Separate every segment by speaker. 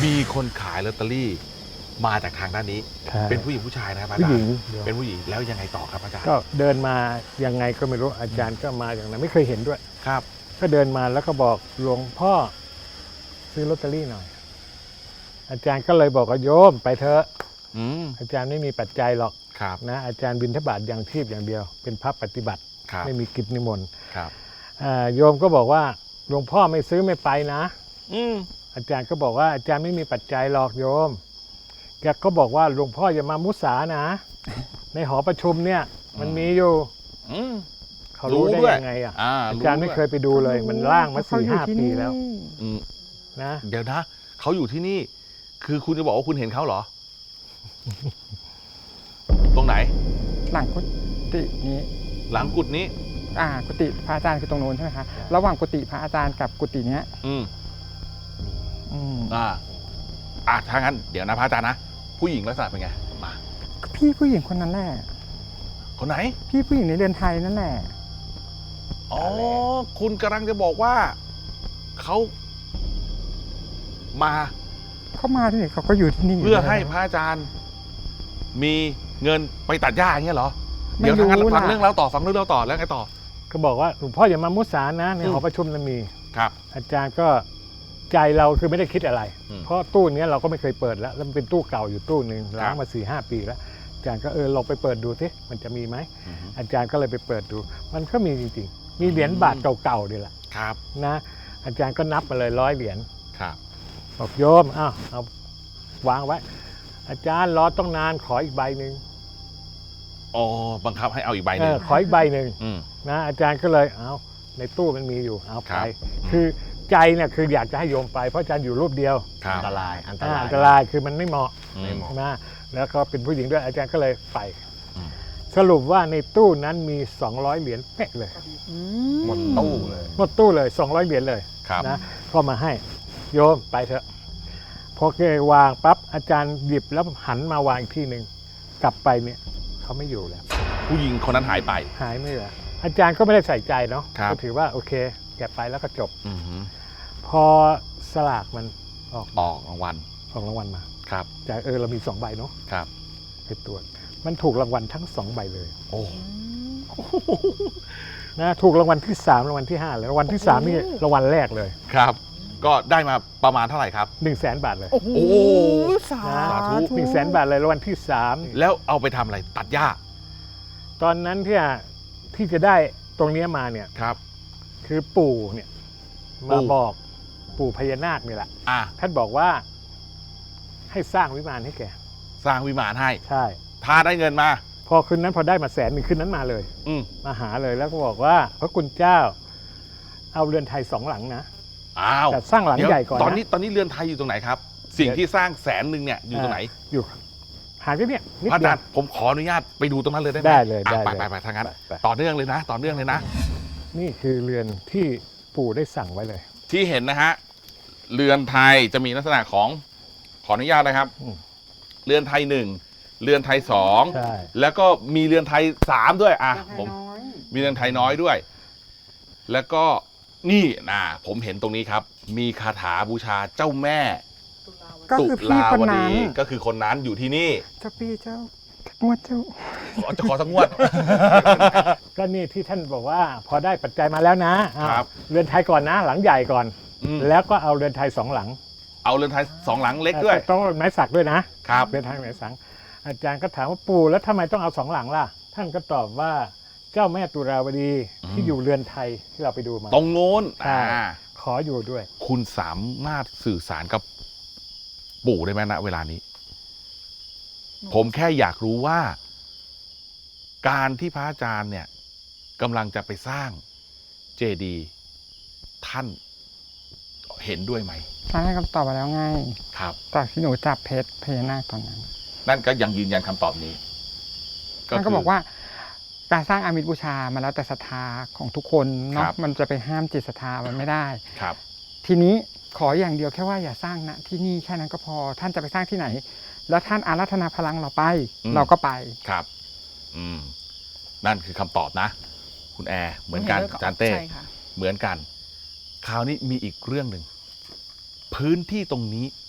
Speaker 1: มีคนขายลอตเตอรี่มาจากทางด้านนี้เป็นผู้หญิงผู้ชายนะครับอาจารย์
Speaker 2: ผู้หญิง
Speaker 1: เป็นผู้หญิงแล้วยังไงต่อครับอาจารย์
Speaker 2: ก็เดินมายังไงก็ไม่รู้อาจารย์ก็มาอย่างนั้นไม่เคยเห็นด้วย
Speaker 1: ครับ
Speaker 2: ก็เดินมาแล้วก็บอกหลวงพ่อซื้อลอตเตอรี่หน่อยอาจารย์ก็เลยบอกว่าโยมไปเถอะอาจารย์ไม่มีปัจจัยหรอกนะอาจารย์บิณฑบาตอย่างชีพอย่างเดียวเป็นพระปฏิบัติไม่มีกิจนิมนต์โยมก็บอกว่าหลวงพ่อไม่ซื้อไม่ไปนะอาจารย์ก็บอกว่าอาจารย์ไม่มีปัจจัยหรอกโยมแกก็บอกว่าหลวงพ่ออย่ามามุสานะในหอประชุมเนี่ยมันมีอยู่เขารู้ได้ยังไงอาจารย์ไม่เคยไปดูเลยมันล่างมา4-5 ปีแล้วนะ
Speaker 1: เดี๋ยวนะเขาอยู่ที่นี่คือคุณจะบอกว่าคุณเห็นเขาเหรอ ตรงไหน
Speaker 3: หลังกุฏินี้
Speaker 1: หลังกุฏินี้
Speaker 3: กุฏิพระอาจารย์คือตรงโน้นใช่ไหมคะระหว่างกุฏิพระอาจารย์กับกุฏิเนี้ย
Speaker 1: ถ้างั้นเดี๋ยวนะพระอาจารย์นะผู้หญิงลักษณะเป็นไงมา
Speaker 3: พี่ผู้หญิงคนนั้นแหละ
Speaker 1: คนไหน
Speaker 3: พี่ผู้หญิงในเรือนไทยนั่นแหละ
Speaker 1: อ๋อคุณกำลังจะบอกว่าเขามา
Speaker 3: ที่นี่เขาก็อยู่ที่นี่
Speaker 1: เพื่อให้พระอาจารย์มีเงินไปตัดหญ้าอย่างเงี้ยเหรอเดี๋ยวทางนั้นฟังเรื่องเราต่อแล้วไงต่อ
Speaker 2: ก็บอกว่าหลวงพ่ออย่ามามุสานะในหอประชุมนั้นมี
Speaker 1: ครับ
Speaker 2: อาจารย์ก็ใจเราคือไม่ได้คิดอะไรเพราะตู้นี้เราก็ไม่เคยเปิดแล้วมันเป็นตู้เก่าอยู่ตู้หนึ่งล้างมา4-5 ปีแล้วอาจารย์ก็ลองไปเปิดดูสิมันจะมีไหมอาจารย์ก็เลยไปเปิดดูมันก็มีจริงๆมีเหรียญบาทเก่าๆนี่แหละนะอาจารย์ก็นับมาเลย100 เหรียญบอกโยมเอาวางไว้อาจารย์รอต้องนานขออีกใบหนึ่ง
Speaker 1: บังคับให้เอาอีกใบหนึ่ง
Speaker 2: ขออีกใบหนึ่งนะอาจารย์ก็เลยเอาในตู้มันมีอยู่เอาไปคือใจเนี่ยคืออยากจะให้โยมไปเพราะอาจารย์อยู่รูปเดียว
Speaker 1: อันตร
Speaker 2: ายคือมันไม่เหมาะนะแล้วก็เป็นผู้หญิงด้วยอาจารย์ก็เลยไปสรุปว่าในตู้นั้นมี200 เหรียญเป๊ะเลย
Speaker 1: หมดตู้
Speaker 2: เลย200 เหรียญเลยนะก็มาให้โยมไปเถอะพอแกวางปั๊บอาจารย์หยิบแล้วหันมาวางอีกที่หนึ่งกลับไปเนี่ยเขาไม่อยู่แล้ว
Speaker 1: ผู้หญิงคนนั้นหาย
Speaker 2: ไม่เหลืออาจารย์ก็ไม่ได้ใส่ใจเนาะก็ถือว่าโอเคแกไปแล้วก็จบพอสลากมันออก
Speaker 1: รางวัล
Speaker 2: มาจากเรามี2 ใบเนาะไปตรวจมันถูกรางวัลทั้ง2 ใบเลยนะถูกรางวัลที่3รางวัลที่5เลยรางวัลที่3นี่รางวัลแรกเลย
Speaker 1: ครับก็ได้มาประมาณเท่าไหร่ครับ
Speaker 2: 100,000 บาทเลย
Speaker 1: โอ้สาธุ
Speaker 2: 100,000 บาทเลยรางวัลที่3
Speaker 1: แล้วเอาไปทำอะไรตัดหญ้า
Speaker 2: ตอนนั้นที่จะได้ตรงนี้มาเนี่ยคือปู่เนี่ยมาบอกปู่พญานาคนี่แหละท่านบอกว่าให้สร้างวิมานให้แก
Speaker 1: สร้างวิมานให้
Speaker 2: ใช่
Speaker 1: ถ้าได้เงินมา
Speaker 2: พอคืนนั้นพอได้มา100,000คืนนั้นมาเลยมาหาเลยแล้วก็บอกว่าพระคุณเจ้าเอาเรือนไทย2 หลังนะแต่สร้างหลังใหญ่ก่อน
Speaker 1: ตอนนี้เรือนไทยอยู่ตรงไหนครับสิ่งที่สร้าง100,000เนี่ยอยู่ตรงไหน
Speaker 2: อยู่หาที่เนี่ย
Speaker 1: พระอาจารย์ผมขออนุญาตไปดูตรงนั้นเลยได้ไหม
Speaker 2: ได้เลย
Speaker 1: ไปทางนั้นต่อเนื่องเลยนะ
Speaker 2: นี่คือเรือนที่ปู่ได้สั่งไว้เลย
Speaker 1: ที่เห็นนะฮะเรือนไทยจะมีลักษณะของขออนุญาตนะครับเรือนไทย1เรือนไทย2แล้วก็มีเรือนไทย3ด้วยผมมีเรือนไทยน้อยด้วยแล้วก็นี่ผมเห็นตรงนี้ครับมีคาถาบูชาเจ้าแม่
Speaker 3: ตุลาวดี
Speaker 1: ก็คือคนนั้นอยู่ที่นี่
Speaker 3: เจ้าพี่เจ้างวดเจ้า
Speaker 1: จะขอสักงวด
Speaker 2: ก็นี่ที่ท่านบอกว่าพอได้ปัจจัยมาแล้วนะเรือนไทยก่อนนะหลังใหญ่ก่อนแล้วก็เอาเรือนไทย2 หลัง
Speaker 1: เอาเรือนไทย2 หลังเล็กด้วย
Speaker 2: ต้องไม้สักด้วยนะครับเรือนไทยไม้สักอาจารย์ก็ถามว่าปู่แล้วทำไมต้องเอา2 หลังล่ะท่านก็ตอบว่าเจ้าแม่ตุลาวดีที่อยู่เรือนไทยที่เราไปดูมา
Speaker 1: ตรงโน้น
Speaker 2: ขออยู่ด้วย
Speaker 1: คุณสามารถสื่อสารกับปู่ได้ไหมณเวลานี้ผมแค่อยากรู้ว่าการที่พระอาจารย์เนี่ยกำลังจะไปสร้างเจดีย์ท่านเห็นด้วยไหม
Speaker 3: ท่านให้คำตอบมาแล้วไง
Speaker 1: ครับ
Speaker 3: ตอนที่หนูจับเพชรพญานาคตอนนั้น
Speaker 1: นั่นก็ยังยืนยันคำตอบนี้
Speaker 3: ท่านก็บอกว่าการสร้างอามิสบูชามาแล้วแต่ศรัทธาของทุกคนเนาะมันจะไปห้ามจิตศรัทธามันไม่ได้
Speaker 1: ครับ
Speaker 3: ทีนี้ขออย่างเดียวแค่ว่าอย่าสร้างณที่นี่แค่นั้นก็พอท่านจะไปสร้างที่ไหนแล้วท่านอาราธนาพลังเราไปเราก็ไป
Speaker 1: ครับนั่นคือคำตอบนะคุณแอร์เหมือนกันอาจารย์เต้เหมือนกันคราวนี้มีอีกเรื่องหนึ่งพื้นที่ตรงนี้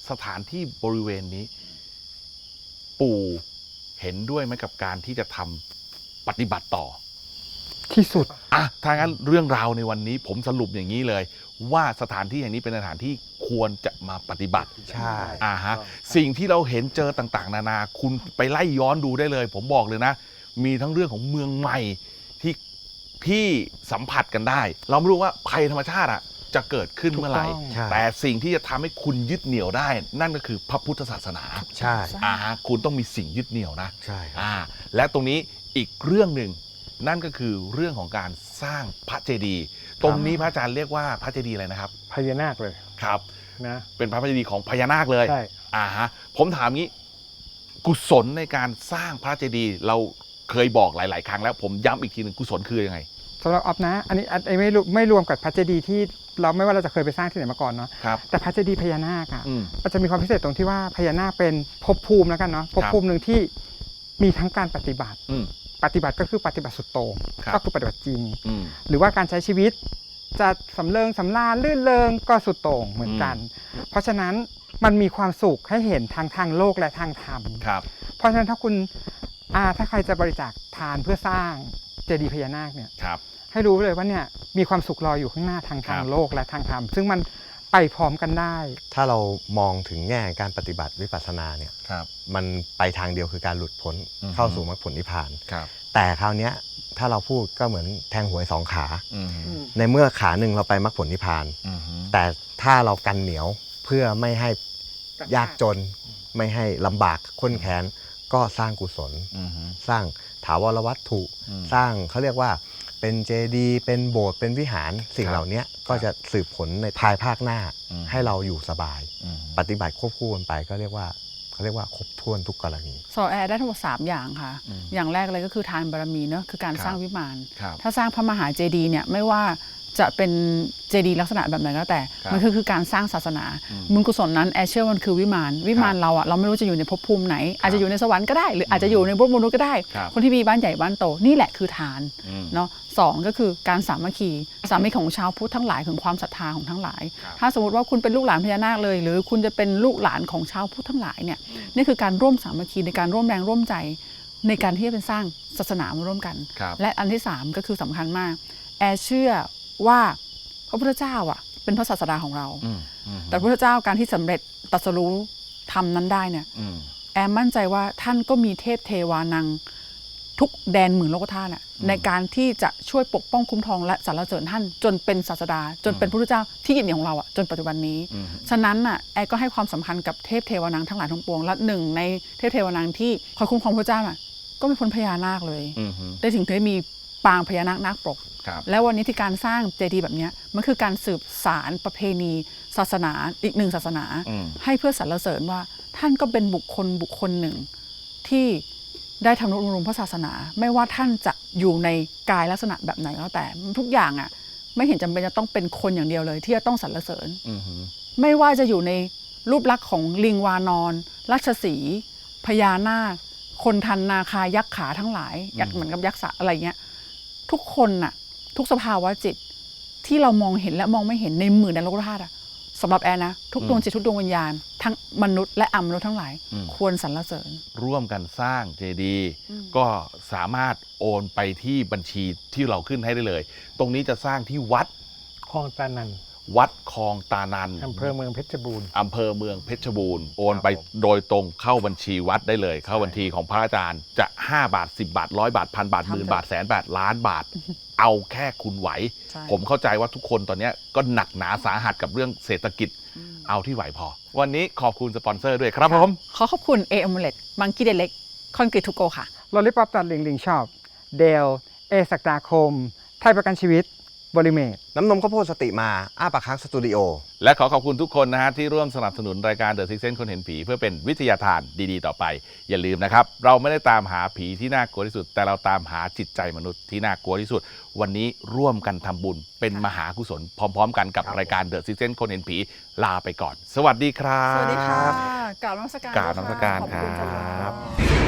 Speaker 1: สถานที่บริเวณนี้ ปู่เห็นด้วยไหมกับการที่จะทำปฏิบัติต่อ
Speaker 3: ที่สุด
Speaker 1: ถ้างั้นเรื่องราวในวันนี้ผมสรุปอย่างนี้เลย ว่าสถานที่แห่งนี้เป็นสถานที่ควรจะมาปฏิบัติ
Speaker 4: ใช่
Speaker 1: สิ่งที่เราเห็นเจอต่างๆ นานาคุณไปไล่ย้อนดูได้เลย ผมบอกเลยนะ มีทั้งเรื่องของเมืองใหม่ที่สัมผัสกันได้ เราไม่รู้ว่าภัยธรรมชาติจะเกิดขึ้นเมื่อไหร่
Speaker 3: ถูกต้อง
Speaker 4: ใช่
Speaker 1: แต่สิ่งที่จะทำให้คุณยึดเหนี่ยวได้ นั่นก็คือพระพุทธศาสนา
Speaker 4: ใช่
Speaker 1: คุณต้องมีสิ่งยึดเหนี่ยวนะ
Speaker 4: ใช่ครับ
Speaker 1: และตรงนี้อีกเรื่องหนึ่งนั่นก็คือเรื่องของการสร้างพระเจดีย์ตรงนี้พระอาจารย์เรียกว่าพระเจดีย์อะไรนะครับ
Speaker 2: พญานาคเลย
Speaker 1: ครับ
Speaker 2: นะ
Speaker 1: เป็นพระเจดีย์ของพญานาคเลย
Speaker 2: ใช่
Speaker 1: ผมถามงี้กุศลในการสร้างพระเจดีย์เราเคยบอกหลาย ๆ ครั้งแล้วผมย้ำอีกทีหนึ่งกุศลคือยังไง
Speaker 3: สำหรับออฟนะ อันนี้ไม่รวมกับพระเจดีย์ที่เราไม่ว่าเราจะเคยไปสร้างที่ไหนมาก่อนเนาะ
Speaker 1: ครับ
Speaker 3: แต่พระเจดีย์พญานาคอ่ะ
Speaker 1: อืม
Speaker 3: มันจะมีความพิเศษตรงที่ว่าพญานาคเป็นภพภูมิแล้วกันเนาะภพภูมิหนึ่งที่มีทั้งการปฏิบัติ
Speaker 1: อืม
Speaker 3: ปฏิบัติก็คือปฏิบัติสุดโต่ง
Speaker 1: ครับ
Speaker 3: ก็คือปฏิบัติจริง
Speaker 1: อืม
Speaker 3: หรือว่าการใช้ชีวิตจะสำเริงสำราญลื่นเริงก็สุดโต่งเหมือนกัน เพราะฉะนั้นมันมีความสุขให้เห็นทางโลกและทางธรรม
Speaker 1: ครับ
Speaker 3: เพราะฉะนั้นถ้าคุณถ้าใครจะบริจาคทานเพื่อสร้างเจดีย์พญานาคเนี่ย
Speaker 1: ครับ
Speaker 3: ให้รู้เลยว่าเนี่ยมีความสุขรออยู่ข้างหน้าทาง
Speaker 1: ครับ
Speaker 3: โลกและทางธรรมซึ่งมันไปพร้อมกันได้
Speaker 4: ถ้าเรามองถึงแง่การปฏิบัติวิปัสสนาเนี่ย
Speaker 1: ครับ
Speaker 4: มันไปทางเดียวคือการหลุดพ้น
Speaker 1: อือฮึ
Speaker 4: เข้าสู่มรรคผลนิพพาน
Speaker 1: ครับ
Speaker 4: แต่คราวเนี้ยถ้าเราพูดก็เหมือนแทงหวยสองขา
Speaker 1: อืม
Speaker 4: ในเมื่อขาหนึ่งเราไปมรรคผลนิพพาน
Speaker 1: อืม
Speaker 4: แต่ถ้าเรากันเหนียวเพื่อไม่ให้ยากจน ไม่ให้ลำบากข้นแค้นก็สร้างกุศล
Speaker 1: อืม
Speaker 4: สร้างถาวรวัตถุ
Speaker 1: อืม
Speaker 4: สร้างเขาเรียกว่าเป็นเจดีย์เป็นโบสถ์เป็นวิหารสิ่ง
Speaker 1: ครับ
Speaker 4: เหล่านี้ก็จะสืบผลในภายภาคหน้า
Speaker 1: อืม
Speaker 4: ให้เราอยู่สบาย
Speaker 1: อืม
Speaker 4: ปฏิบัติควบคู่กันไปก็เรียกว่าเขาเรียกว่าครบถ้วนทุกกรณี
Speaker 5: สอแอร์ได้ทั้งหมด3อย่างค่ะ
Speaker 1: อืม
Speaker 5: อย่างแรกเลยก็คือทานบารมีเนอะคือการ
Speaker 1: ครับ
Speaker 5: สร้างวิมาน
Speaker 1: ครับ
Speaker 5: ถ้าสร้างพระมหาเจดีย์เนี่ยไม่ว่าจะเป็นเจดีย์ลักษณะแบบไหนก็แต่
Speaker 1: ครับ
Speaker 5: มันคือการสร้างศาสนา
Speaker 1: อืม
Speaker 5: บุญกุศลนั้นแอร์เชื่อว่ามันคือวิมานเราอะเราไม่รู้จะอยู่ในภพภูมิไหน อาจจะอยู่ในสวรรค์ก็ได้ หรืออาจจะอยู่ในภพมนุษย์ก็ได้
Speaker 1: ครับ
Speaker 5: คนที่มีบ้านใหญ่บ้านโตนี่แหละคือทาน
Speaker 1: อืม
Speaker 5: เนาะสองก็คือการสามัคคีของชาวพุทธทั้งหลายของความศรัทธาของทั้งหลาย
Speaker 1: ครับ
Speaker 5: ถ้าสมมติว่าคุณเป็นลูกหลานพญานาคเลย หรือคุณจะเป็นลูกหลานของชาวพุทธทั้งหลายเนี่ยนี่คือการร่วมสามัคคีในการร่วมแรงร่วมใจ ในการที่จะเป็นสร้างศาสนามาร่วมกัน
Speaker 1: ครับ
Speaker 5: และอันที่3ก็คือสำคัญมาก แอร์เชื่อว่าพระพุทธเจ้าอ่ะเป็นพระศาสดาของเรา
Speaker 1: อืมอืม
Speaker 5: แต่พระพุทธเจ้าการที่สำเร็จตรัสรู้ทำนั้นได้เนี่ย
Speaker 1: อืม
Speaker 5: แอมมั่นใจว่าท่านก็มีเทพเทวานังทุกแดนหมื่นโลกธาตุอะในการที่จะช่วยปกป้องคุ้มครองและสรรเสริญท่านจนเป็นศาสดา จนเป็นพระพุทธเจ้าที่ยืนเหนี่ยวของเราอะจนปัจจุบันนี้
Speaker 1: อืม
Speaker 5: ฉะนั้นน่ะแอร์ก็ให้ความสำคัญกับเทพเทวานังทั้งหลายทั้งปวงและหนึ่งในเทพเทวานังที่คอยคุ้มครองพระเจ้าน่ะก็ไม่พ้นพญานาคเลย
Speaker 1: อืม
Speaker 5: ได้ถึงได้มีปางพญานาคนาคปก
Speaker 1: ครับ
Speaker 5: แล้ววันนี้ที่การสร้างเจดีย์แบบเนี้ยมันคือการสืบสารประเพณีศาสนาอีกหนึ่งศาสนา
Speaker 1: อืม
Speaker 5: ให้เพื่อสรรเสริญว่าท่านก็เป็นบุคคลหนึ่ง ที่ได้ทำนุบำรุงพระศาสนา ไม่ว่าท่านจะอยู่ในกายลักษณะแบบไหนก็แล้วแต่ทุกอย่างอ่ะไม่เห็นจำเป็นจะต้องเป็นคนอย่างเดียวเลย ที่จะต้องสรรเสริญ
Speaker 1: อืม
Speaker 5: ไม่ว่าจะอยู่ในรูปลักษณ์ของลิงวานอนราชสีห์พญานาค คนทันนาคายักษ์ขาทั้งหลายยักษ์เหมือนกับยักษ์สะอะไรเงี้ยทุกคนน่ะทุกสภาวะจิตที่เรามองเห็นและมองไม่เห็นในหมื่นแดนโลกธาตุอะสำหรับแอนนะทุกดวงจิตทุกดวงวิญญาณทั้งมนุษย์และอมนุษย์ทั้งหลาย ควรสรรเสริญ
Speaker 1: ร่วมกันสร้างเจดีย์ก็สามารถโอนไปที่บัญชีที่เราขึ้นให้ได้เลย ตรงนี้จะสร้างที่วัด
Speaker 2: คลองตานัน
Speaker 1: วัดคลองตานัน
Speaker 2: อำเภอเมืองเพชรบูรณ์
Speaker 1: อำเภอเมืองเพชรบูรณ์โอนไปโดยตรงเข้าบัญชีวัดได้เลย เข้าบัญชีของพระอาจารย์จะ5 บาท 10 บาท 100 บาท 1,000 บาท
Speaker 5: ทำเถอะ
Speaker 1: หมื่นบาทแสนบาทล้านบาท เอาแค่คุณไหว
Speaker 5: ใช่
Speaker 1: ผมเข้าใจว่าทุกคนตอนนี้ก็หนักหนาสาหัสกับเรื่องเศรษฐกิจเอาที่ไหวพอ วันนี้ขอบคุณสปอนเซอร์ด้วยครับผม
Speaker 5: ขอขอบคุณเออมูเลตมังกี้เดเล็กคอนกรีตทูโกค่ะ
Speaker 3: ลอลิปอปตัดลิงชอปเดลเอศักดาคม ไทยประกันชีวิตบริเมต
Speaker 4: น้ำนมข้าวโพดสติมาอ้าปากค้างสตูดิโอ
Speaker 1: และขอขอบคุณทุกคนนะฮะที่ร่วมสนับสนุนรายการ The Six Sense คนเห็นผีเพื่อเป็นวิทยาทานดีๆต่อไป อย่าลืมนะครับ เราไม่ได้ตามหาผีที่น่ากลัวที่สุด แต่เราตามหาจิตใจมนุษย์ที่น่ากลัวที่สุด วันนี้ร่วมกันทำบุญเป็นมหากุศลพร้อมๆ กันกับรายการ The Six Sense คนเห็นผีลาไปก่อน สวัสดีครับ
Speaker 5: สวัสดีค่ะกราบนมัสการ
Speaker 1: กราบนมัสการ
Speaker 5: ขอบ
Speaker 1: ค
Speaker 5: คุณ
Speaker 1: รั
Speaker 5: ค่ะ
Speaker 1: บ